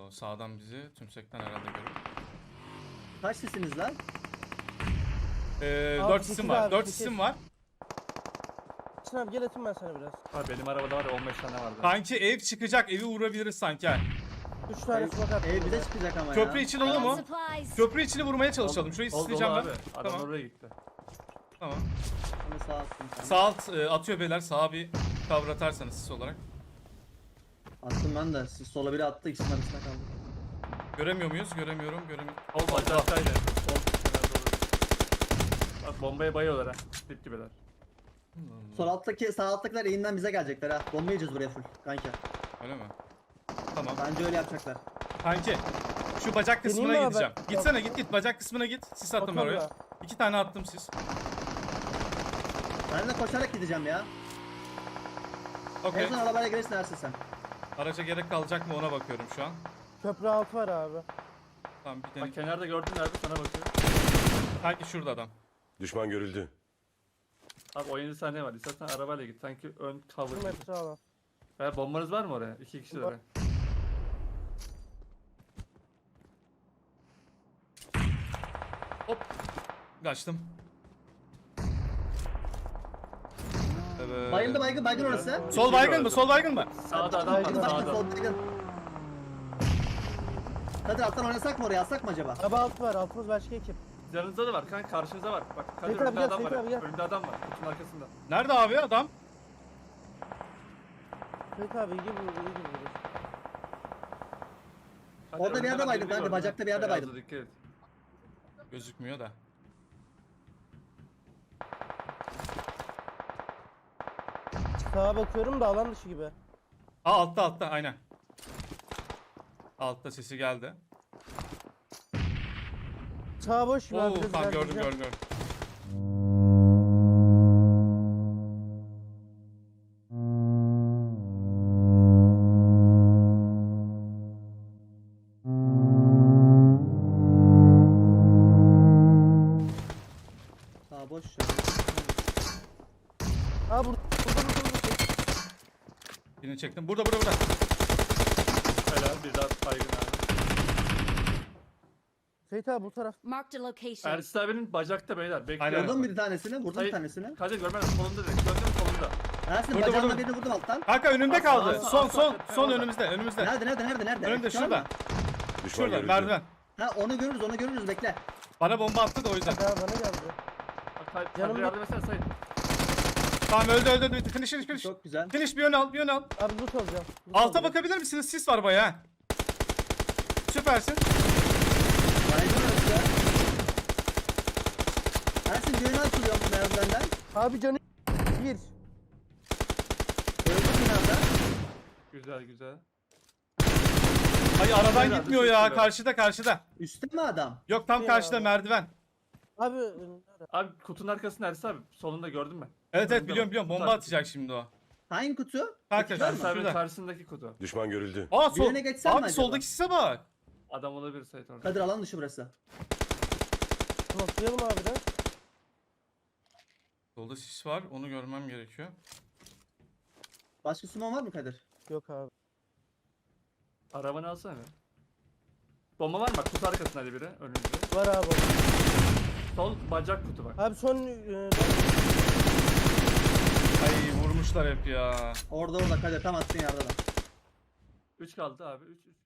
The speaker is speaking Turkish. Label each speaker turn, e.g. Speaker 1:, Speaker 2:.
Speaker 1: Sağdan bizi tümsekten herhalde görüyor.
Speaker 2: Kaç sesiniz lan?
Speaker 1: 4
Speaker 3: sekiz
Speaker 1: isim var.
Speaker 3: abi,
Speaker 1: 4
Speaker 3: sekiz.
Speaker 1: isim var.
Speaker 3: Çin abi gel atayım ben sana biraz.
Speaker 4: Abi benim arabada var ya 15 tane vardı.
Speaker 1: Kanki ev çıkacak. Evi vurabiliriz sanki ha.
Speaker 3: 3 tane smoke attım.
Speaker 2: Ev bize çıkacak ama
Speaker 1: Köprü
Speaker 2: ya.
Speaker 1: için olur mu?
Speaker 5: Supplies.
Speaker 1: Köprü içini vurmaya çalışalım. Şurayı
Speaker 4: Oldu
Speaker 1: isteyeceğim ben.
Speaker 4: abi. Adam
Speaker 1: Tamam.
Speaker 4: oraya gitti.
Speaker 1: Tamam.
Speaker 2: Onu sağ attım. Tamam.
Speaker 1: Sağ alt atıyor beyler. Sağa bir cover atarsanız siz olarak.
Speaker 2: Attım ben de. Siz sola biri attı. İkisinin arasında kaldı.
Speaker 1: Göremiyor muyuz? Göremiyorum.
Speaker 4: Ol bacaktaydı. Bak bombaya bayıyorlar ha. Dip gibiler.
Speaker 2: Sol alttaki, sağ alttakiler eğimden bize gelecekler ha. Bomba yiyeceğiz buraya full. Kanka.
Speaker 1: Öyle mi? Tamam.
Speaker 2: Bence öyle yapacaklar.
Speaker 1: Kanki şu bacak kısmına
Speaker 3: Deneyeyim mi
Speaker 1: gideceğim.
Speaker 3: abi?
Speaker 1: Gitsene git bacak kısmına git. Sis attım ben
Speaker 3: Bakalım
Speaker 1: oraya.
Speaker 3: ya.
Speaker 1: 2 tane attım sis.
Speaker 2: Ben de koşarak gideceğim ya. En
Speaker 1: Okey.
Speaker 2: son arabaya girersin Ersin sen.
Speaker 1: Araca gerek kalacak mı ona bakıyorum şu an.
Speaker 3: Köprü altı var abi.
Speaker 1: Tamam bir
Speaker 4: Bak
Speaker 1: tane.
Speaker 4: kenarda gördün nerede sana bakıyor.
Speaker 1: Kanki şurada adam.
Speaker 6: Düşman görüldü.
Speaker 4: Abi 17 saniye var. İstersen arabayla git. Sanki ön cover
Speaker 3: Bu
Speaker 4: gibi.
Speaker 3: metre alan.
Speaker 4: Veya bombanız var mı oraya? 2 kişi de
Speaker 3: Var.
Speaker 4: be.
Speaker 1: Hop. Kaçtım. Evet.
Speaker 2: Bayıldı baygın orası.
Speaker 1: Sol baygın mı? Sol baygın mı?
Speaker 4: Sağda adam var
Speaker 2: Baygın baygın
Speaker 4: sağda.
Speaker 2: sol baygın. Kadir alttan oynasak mı oraya? Alsak mı acaba?
Speaker 3: Araba altı var. Altımız başka ekip.
Speaker 4: Yanınızda da var kanka karşınızda var. Bak Kadir
Speaker 3: Seyit abi
Speaker 4: önünde
Speaker 3: gel,
Speaker 4: adam var.
Speaker 3: Seyit abi gel.
Speaker 4: Önünde adam var. Kutunun arkasında.
Speaker 1: Nerede abi adam?
Speaker 3: Seyit abi iyi gibi iyi gibi.
Speaker 4: Kadir,
Speaker 2: Orada bir
Speaker 4: önünde
Speaker 2: yerde
Speaker 4: ben
Speaker 2: baydım
Speaker 4: birini
Speaker 2: kanka,
Speaker 4: gördüm
Speaker 2: bacakta
Speaker 4: ha.
Speaker 2: bir yerde
Speaker 4: Beyazda
Speaker 2: baydım.
Speaker 4: dikkat et.
Speaker 1: Gözükmüyor da.
Speaker 3: Sağa bakıyorum da alan dışı gibi.
Speaker 1: Aa altta aynen. Altta sesi geldi.
Speaker 3: Sağa boş gibi
Speaker 1: Oo
Speaker 3: abi. biraz
Speaker 1: tamam gördüm
Speaker 3: ilerleyeceğim.
Speaker 1: gördüm.
Speaker 2: Sağ boş ya.
Speaker 3: Aa burada.
Speaker 1: Birini çektim. Burada.
Speaker 4: Helal bir daha baygın abi.
Speaker 3: Seyit abi bu taraf.
Speaker 5: Marked a location.
Speaker 4: Ersin abinin bacakta beyler. Bekliyor.
Speaker 1: Aynen.
Speaker 2: Vurdum bir tanesini, vurdum bir
Speaker 4: Hayır.
Speaker 2: tanesini.
Speaker 4: Kadir görmedim solunda direkt. Gördün mü solunda?
Speaker 2: Ersin
Speaker 1: Vurdum,
Speaker 2: bacağından
Speaker 1: vurdum.
Speaker 2: birini vurdum alttan.
Speaker 1: Kanka önümde
Speaker 4: Asla,
Speaker 1: kaldı.
Speaker 4: asla,
Speaker 1: Son
Speaker 4: asla, asla.
Speaker 1: son önümüzde.
Speaker 2: Nerede?
Speaker 1: Önümde
Speaker 2: Şu an
Speaker 1: şurada.
Speaker 2: mı?
Speaker 6: Düşman
Speaker 1: Şurada
Speaker 6: görüldü.
Speaker 1: merdiven.
Speaker 2: Ha onu görürüz bekle.
Speaker 1: Bana bomba attı da o yüzden.
Speaker 3: Daha bana geldi.
Speaker 4: Bak Kadir
Speaker 3: Yanımda-
Speaker 4: yardım etsene Sayın.
Speaker 1: Tamam öldü. Finish.
Speaker 2: Çok güzel.
Speaker 1: Finish bir yön al.
Speaker 3: Abi loot alacağım. Loot
Speaker 1: Alta
Speaker 3: alacağım.
Speaker 1: bakabilir misiniz? Sis var bayağı. Süpersin.
Speaker 2: Baygın orası. Ersin düğünü atılıyor bu merdivenden.
Speaker 3: Abi canı bir.
Speaker 2: Öldü binada.
Speaker 4: Güzel.
Speaker 1: Ay aradan
Speaker 4: Herhalde
Speaker 1: gitmiyor ya.
Speaker 4: sesi
Speaker 1: Karşıda.
Speaker 2: Üstte mi adam?
Speaker 1: Yok tam
Speaker 3: Ya.
Speaker 1: karşıda merdiven.
Speaker 3: Abi
Speaker 4: Abi kutunun arkasında Ersin abi. Solunda gördün mü?
Speaker 1: Evet
Speaker 4: Önünde
Speaker 1: biliyorum.
Speaker 4: bak.
Speaker 1: Bomba
Speaker 4: Kutu
Speaker 1: atacak şimdi o.
Speaker 2: Hangi kutu?
Speaker 1: Kanka
Speaker 2: Kutu var mı?
Speaker 4: Ersin abinin
Speaker 1: şurada.
Speaker 4: karşısındaki kutu.
Speaker 6: Düşman görüldü.
Speaker 1: Aa sol.
Speaker 2: Birine geçsem mi
Speaker 1: Abi
Speaker 2: acaba?
Speaker 1: soldaki sise bak.
Speaker 4: Adam olabilir Sayın orada.
Speaker 2: Kadir alan dışı burası.
Speaker 3: atlayalım abi de.
Speaker 1: Solda sis var. Onu görmem gerekiyor.
Speaker 2: Başka suman var mı Kadir?
Speaker 3: Yok abi.
Speaker 4: Arabanı alsana bir. Bomba var mı? Bak kutu arkasında hadi biri önümüzde.
Speaker 3: Var abi.
Speaker 4: Sol bacak kutu bak.
Speaker 3: Abi son
Speaker 1: Ay vurmuşlar hep ya.
Speaker 2: Orada Kadir tam attığın yerde adam.
Speaker 4: 3 kaldı abi. 3.